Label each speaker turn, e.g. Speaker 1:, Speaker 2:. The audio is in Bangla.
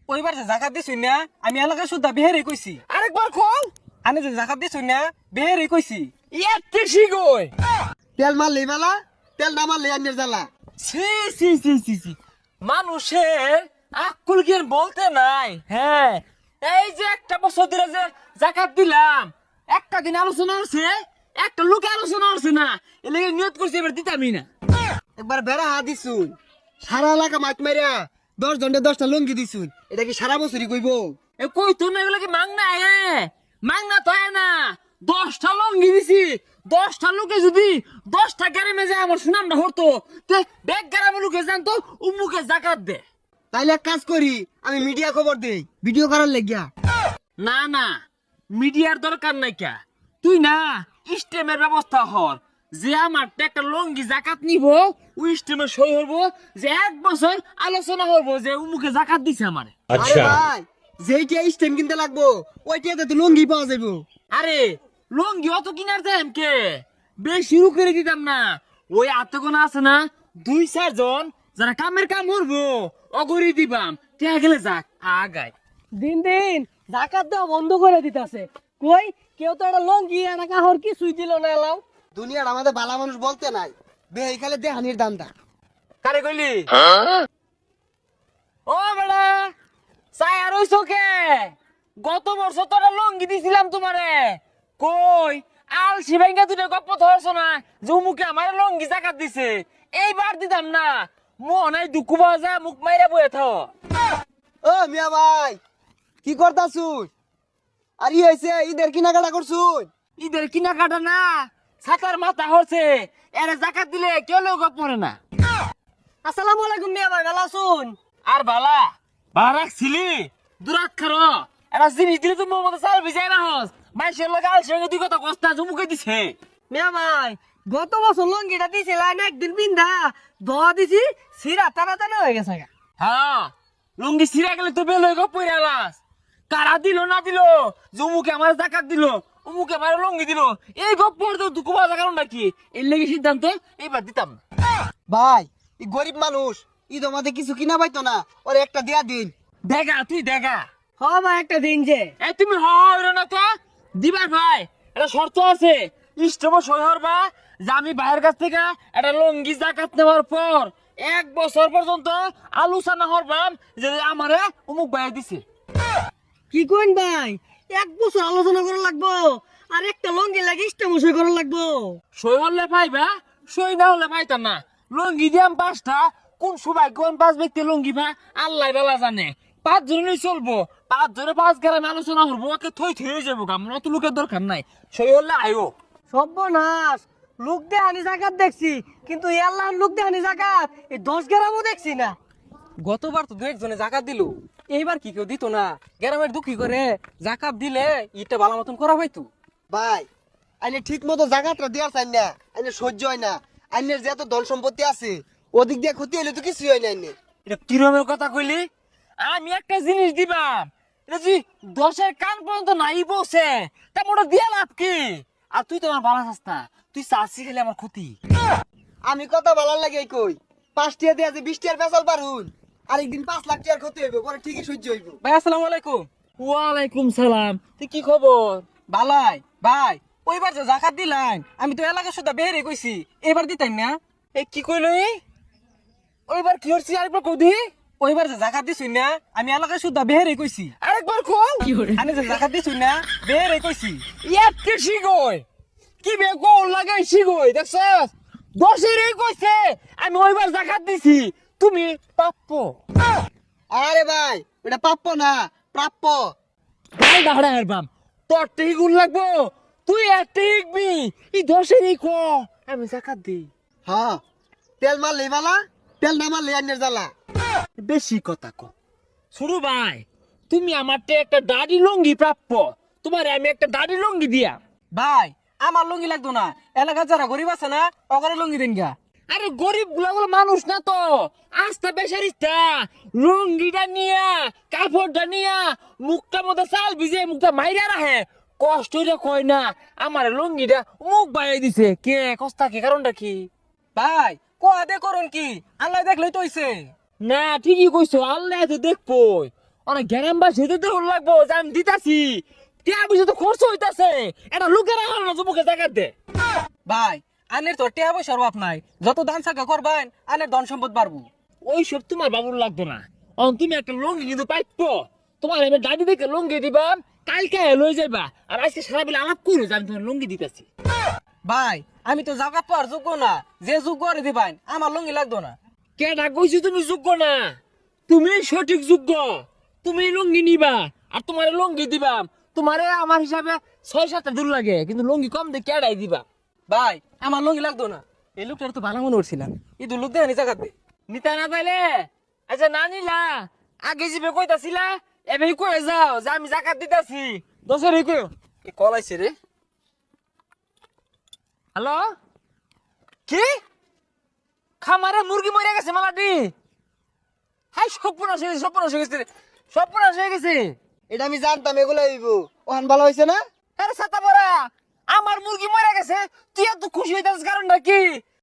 Speaker 1: ওইবার যে জাকাত দিছুই না আমি এলাকা শুদ্ধা বেহেরে কইছি।
Speaker 2: আরেকবার কল।
Speaker 1: আনে যে জাকাত দিছুই না বেহেরে কইছি।
Speaker 2: এতে শিগই।
Speaker 3: তেল মারলি মেলা, তেল না মারলি আন্যের জ্বালা।
Speaker 2: সি সি সি সি সি মানুষের আকুল জ্ঞান বলতে নাই। হ্যাঁ, এই যে একটা বছর ধরে যে জাকাত দিলাম, একটা দিন আলোচনা হচ্ছে, একটা লোকে আলোচনা হচ্ছে না, এ লেগে নিয়ত করছি এবার দিতামই না।
Speaker 3: একবার বেড়া হা দিছুন, সারা এলাকা মাছ মারিয়া 10 জনকে 10টা লঙ্গি দিছুন। এটা কি সারা বছরই কইব?
Speaker 2: এ কই তো না, এগুলো কি মাংনা? মাংনা তো না, 10টা লঙ্গি দিছি। 10টা লোকে যদি 10টা গ্রামে যায় আমার সুনামটা হতো, তে ব্যাগ গ্রামের লোকে জানতো উমুকে জাকাত দে।
Speaker 3: তাইলে এক কাজ করি, আমি মিডিয়া খবর দেই, ভিডিও করার লাগিয়া।
Speaker 2: না না, মিডিয়ার দরকার নাই কা। তুই না স্টেমের ব্যবস্থা হর, যে আমার একটা লঙ্গি জাকাত নিব, ওই স্টেমে সই হবো, যে 1 বছর আলোচনা হবো যে উমুকে জাকাত দিছে আমারে।
Speaker 3: আরে ভাই, যেইটা স্টেম কিনতে লাগবো ওইটাতে তো লঙ্গি পাওয়া যাইবো।
Speaker 2: আরে লঙ্গি অত কিনার দাম কে, বেশি শুরু করে দিতাম না। ওই আত্মগোনা আছে না 2-4 জন যারা কামের কাম করবো, অগরি দিবাম, তে গেলে যাক আগায়।
Speaker 1: দিন দিন জাকাত দেওয়া বন্ধ করে দিতেছে। কই কেউ তো একটা লঙ্গি না কাহর কিছুই দিল না এলাও।
Speaker 3: দুনিয়ার আমাদের ভালো মানুষ বলতে নাই, বেই খালে দেহানির দামটা।
Speaker 2: কারে কইলি? ও বেড়া, চাই আর ওই চোখে গত বছর তোরা লঙ্গি দিছিলাম তোমারে। কই আলসি ভাইঙ্গা তুই গপ্প ধরছ না যে মুখে আমার লঙ্গি জাকাত দিছে, এইবার দিতাম না। মনে দুঃখ পাওয়া যায়, মুখ মাইরা বয়ে থাও।
Speaker 3: ও মিয়া ভাই, কি করতাছুন? আর ই হইছে ঈদের কেনাকাটা করছুন?
Speaker 2: ঈদের কিনা কাটা না, ছাতার মাথা হচ্ছে, এর জাকাত দিলে কেউ লোক পড়ে না।
Speaker 1: আসসালামু আলাইকুম মিয়া ভাই, ভালো আছুন?
Speaker 2: আর বালা বালা রাখছিলি দূরাত খারো, এটা জিনিস দিলে তো মোর মতো চাল ভিজাই না হস। মাইসের লোক আলসি ভাইঙ্গা দুই কথা কস্তা জমুকে দিছে।
Speaker 1: মিয়া ভাই গত বছর লঙ্গিটা দিছিলেন, একদিন বিন্ধা দোয়া দিছি, সিরা টানা টানা হয়ে গেছে গা।
Speaker 2: হ্যাঁ, লুঙ্গি ছিঁড়ে গেলে তো বেল হয়ে পড়ে আলাস। কারা দিল না দিল, জমুকে আমার জাকাত দিল, উমুকে আমার লুঙ্গি দিল, এই গপ্প তো দুঃখ পাওয়া কারণ নাকি? এর লেগে সিদ্ধান্ত এইবার দিতাম না।
Speaker 3: ভাই এই গরিব মানুষ, ঈদ আমাদের কিছু কিনা পাইতো না, ওর একটা দেয়া দিন।
Speaker 2: দেখা তুই দেখা।
Speaker 1: হ ভাই একটা দিন যে।
Speaker 2: এই তুমি হয় না তো দিবার ভাই, এটা শর্ত আছে। ইষ্টম সই হরবা যে আমি ভাইয়ের কাছ থেকে একটা লঙ্গি জাকাত নেওয়ার পর 1 বছর পর্যন্ত আলোচনা হরবাম যে আমারে উমুক ভাই দিছে।
Speaker 1: কি কইন ভাই, 1 বছর আলোচনা করা লাগবো আর একটা লঙ্গি লাগে ইস্টামশই করা লাগবো।
Speaker 2: সই হলে পাইবা, সই না হলে পাইতাম না। লঙ্গি দিয়াম 5টা, কোন সবাই কোন 5 ব্যক্তি লঙ্গি ভা আল্লাহ বেলা জানে। 5 জনই চলবো, 5 জনে 5 গ্রামে আলোচনা করবো, ওকে থই থই হয়ে যাবো। আমার অত লোকের দরকার নাই, সই হলে আয়ো।
Speaker 1: সর্বনাশ, লোক দেহানি জাকাত দেখছি, কিন্তু আল্লাহর লোক দেহানি জাকাত এই 10 গ্রামও দেখছি না। গতবার তো 2 জনে জাকাত দিল, এইবার কি কেউ দিত না? গ্রামের দুঃখী করে জাকাত দিলে ইটা ভালো মতন করা হয়তো।
Speaker 3: ভাই আইনে ঠিক মতো জায়গাটা দেওয়ার চাই না, আইনে সহ্য হয় না। আইনের যে এত ধন সম্পত্তি আছে, ওদিক দিয়ে ক্ষতি হইলে তো কিছুই হয় না আইনে।
Speaker 2: এটা কিরমের কথা কইলি? আমি একটা জিনিস দিবাম, এটা যদি 10-এর কান পর্যন্ত নাই বসে, তা মোটা দিয়া লাভ কি? আর তুই তো আমার ভালো চাস না, তুই চাষি খেলে আমার ক্ষতি।
Speaker 3: আমি কথা বলার লাগে কই, 5 টিয়া দিয়ে যে 20 টিয়ার পেছাল পারুন, আরেকদিন 5 লাখ টিয়ার ক্ষতি হইব, পরে ঠিকই সহ্য হইব।
Speaker 1: ভাই আসসালামু আলাইকুম।
Speaker 2: ওয়ালাইকুম সালাম, তুই কি খবর?
Speaker 1: ভালাই ভাই, ওইবার যে জাকাত দিলাম আমি তো এলাকা শুদ্ধা বেহেরে কইছি, এবার দিতাম না।
Speaker 2: এ কি কইল? ওইবার কি হচ্ছে আরেকবার কদি?
Speaker 1: ওইবার যে জাকাত দিছুই না আমি এলাকা শুদ্ধা বেহেরে কইছি।
Speaker 2: আরেকবার কল।
Speaker 1: আমি যে জাকাত দিছুই না বেহেরে কইছি।
Speaker 2: এতে শিগই কি বে গোল লাগাই শিগই দেখছস? 10-এরই কইছে আমি ওইবার জাকাত দিছি, তুমি প্রাপ্য।
Speaker 3: আরে ভাই ওটা প্রাপ্য না, প্রাপ্য।
Speaker 2: গাল দাহড়া হারবাম, তোর টেই গুণ লাগবো, তুই একটা ইকবি, এই 10-এরই ক আমি জাকাত দিই।
Speaker 3: হ্যাঁ, তেল মারলে বালা, তেল না মারলে আইনের জ্বালা।
Speaker 2: বেশি কথা ক। শুরু ভাই, তুমি আমার একটা দাড়ি লঙ্গি প্রাপ্য, তোমার আমি একটা দাড়ি লঙ্গি দিয়া।
Speaker 1: ভাই আমার লুঙ্গি লাগতো না, এলাকার যারা গরিব আছে না ওখানে লুঙ্গি দিন গা।
Speaker 2: আরে গরিব গুলা মানুষ না তো, আস্তা বেসারিস্তা, লুঙ্গিটা নিয়া কাপড়টা নিয়া মুখটা মধ্যে চাল ভিজে মুখটা মাইরা রাখে, কষ্ট হইরা কয় না আমার লুঙ্গিটা মুখ বাইরে দিছে। কে কস্তা কি কারণটা কি?
Speaker 1: ভাই কোয়া দে করুন কি, আল্লাহ দেখলেই তো হইছে।
Speaker 2: না ঠিকই কইছো, আল্লাহ তো দেখবো। অনেক গ্রামবাসী হইতে তো লাগবো যে আমি দিতাছি টিয়া পয়সা তো খরচ হইতাছে এটা লোকেরা না যুবকে জায়গা দে
Speaker 1: ভাই আনের তো টিয়া পয়সার অভাব নাই, যত দান সাকা করবেন আনের ধন সম্পদ বাড়বো।
Speaker 2: ওই সব তোমার বাবুর লাগতো না। অন তুমি একটা লঙ্গি কিন্তু পাইতো, তোমার এবার দাদি দেখে লঙ্গি দিবাম, কালকে লই যাইবা আর আজকে সারা বেলা আলাপ করো যে আমি তোমার লঙ্গি দিতেছি।
Speaker 1: ভাই আমি তো জাকাত পাওয়ার যোগ্য না, যে যোগ্য করে দিবেন আমার লঙ্গি লাগতো না।
Speaker 2: কেডা কইছি তুমি যোগ্য না? তুমি সঠিক যোগ্য, তুমি লঙ্গি নিবা আর তোমার লঙ্গি দিবাম। তোমারে আমার হিসাবে 6-7টা দূর লাগে, কিন্তু লঙ্গি কম দিয়ে কেডাই দিবা।
Speaker 1: ভাই আমার লঙ্গি লাগতো না, এই লোকটার তো ভালো মনে করছিলাম, এই দু লোক দেখানি জাকাত দে।
Speaker 2: নিতা না পাইলে আচ্ছা না নিলা, আগে যাবে কইতাছিলা এবার কয়ে যাও যে আমি জাকাত দিতাছি। দশের কই
Speaker 1: এ কলাইছে রে।
Speaker 2: হ্যালো, কি খামারে মুরগি মরে গেছে মালাটি? হাই সর্বনাশ হয়ে গেছে, সর্বনাশ হয়ে গেছে, সর্বনাশ হয়ে গেছে।
Speaker 3: এটা আমি জানতাম এগুলো হইব। ওহান ভালো হয়েছে না?
Speaker 2: আরে ছাতা পরা, আমার মুরগি মরে গেছে, তুই এত খুশি হইতাছিস কারণটা কি?